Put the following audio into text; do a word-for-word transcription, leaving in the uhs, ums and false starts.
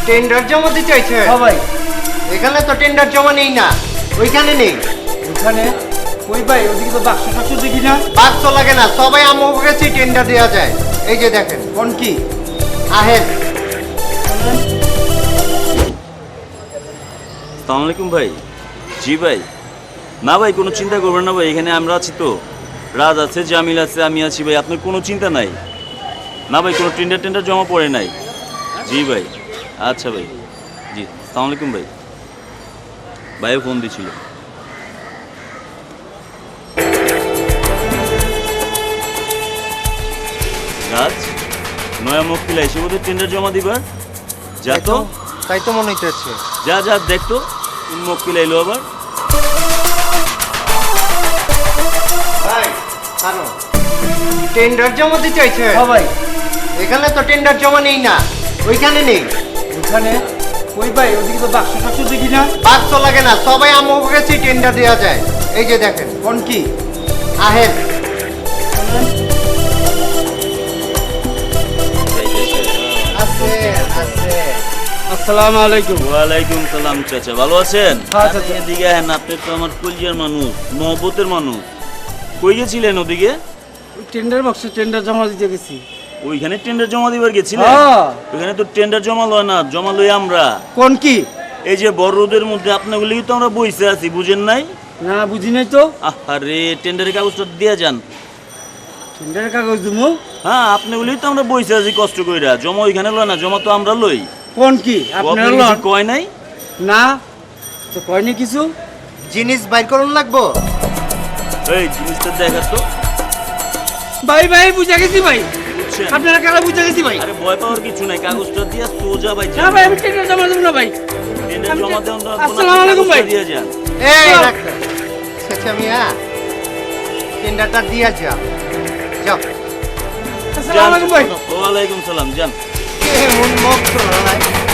Tender জমা দিতে চাইছে? হ্যাঁ ভাই। এখানে তো টেন্ডার জমা নেই না, ওইখানে নেই। ওখানে ওই ভাই ওদিকে তো বাক্স টাক্স দেখি না। বাক্স লাগে না, সবাই আমার কাছে টেন্ডার দেওয়া যায়। এই যে দেখেন কোন কি আহেন। আসসালামু আলাইকুম ভাই। জি ভাই। না ভাই কোনো চিন্তা করবেন না ভাই, এখানে আমরা আছি তো, রাজ আছে, জামিল আছে, আমি আছি ভাই, আপনার কোনো চিন্তা নাই। না ভাই কোনো টেন্ডার টেন্ডার জমা পড়ে নাই। জি ভাই। আচ্ছা ভাই। জি আসসালামু আলাইকুম ভাই। ভাইও ফোন দিছিল। রাজ নয়া মক্কিল এসে বোধহয় টেন্ডার জমা দিবার। যা তো, তাই তো মনে হইতেছে। যা যা দেখতো কোন মক্কিল এলো আবার। ভাই আনো, টেন্ডার জমা দিতে চাইছে? হ্যাঁ ভাই। এখানে তো টেন্ডার জমা নেই না, ওইখানে নেই। ওখানে ওই ভাই ওদিকে তো বাক্স টাক্স দেখি না। বাক্স লাগে না, সবাই আমার কাছে টেন্ডার দেওয়া যায়। এই যে দেখেন কোন কি আহেন। আছে আছে। আসসালামু আলাইকুম। ওয়ালাইকুম সালাম চাচা, ভালো আছেন? হ্যাঁ চাচা। এদিকে হ্যাঁ, আপনি তো আমার কলজিয়ার মানুষ, মহব্বতের মানুষ। কই গেছিলেন ওদিকে? ওই টেন্ডার বাক্সে টেন্ডার জমা দিতে গেছি। ওইখানে টেন্ডার জমা দিবার গেছিলেন? হ্যাঁ। ওইখানে তো টেন্ডার জমা লয় না, জমা লই আমরা। কোন কি? এই যে বড় রোদের মধ্যে আপনাগুলি তো আমরা বইসে আছি, বুঝেন নাই? না বুঝি নাই তো। আরে টেন্ডারের কাগজটা দিয়ে যান। টেন্ডারের কাগজ দিমু? হ্যাঁ আপনাগুলি তো আমরা বইসে আছি কষ্ট কইরা, জমা ওইখানে লয় না, জমা তো আমরা লই। কোন কি ও আপনার আপনার কিছু কয় নাই? না তো কয়নি কিছু। জিনিস বাইর করুন লাগবো। এই জিনিসটা দেখা তো। ভাই ভাই বুঝা গেছি ভাই, বুঝছেন? আপনারা কারা বুঝা গেছি ভাই। আরে ভয় পাওয়ার কিছু নাই, কাগজটা দিয়া সোজা ভাই না ভাই আমি টেন্ডার জমা দেবো না ভাই। টেন্ডার আমি জমা তে- দেন তো, আসসালামু আলাইকুম ভাই। দিয়ে যান। এই চল। ডাক্তার আচ্ছা মিয়া, টেন্ডারটা দিয়া যাও। যাও। আসসালামু আলাইকুম ভাই। ওয়ালাইকুম সালাম, যান। কেমন মুখ তোলাই।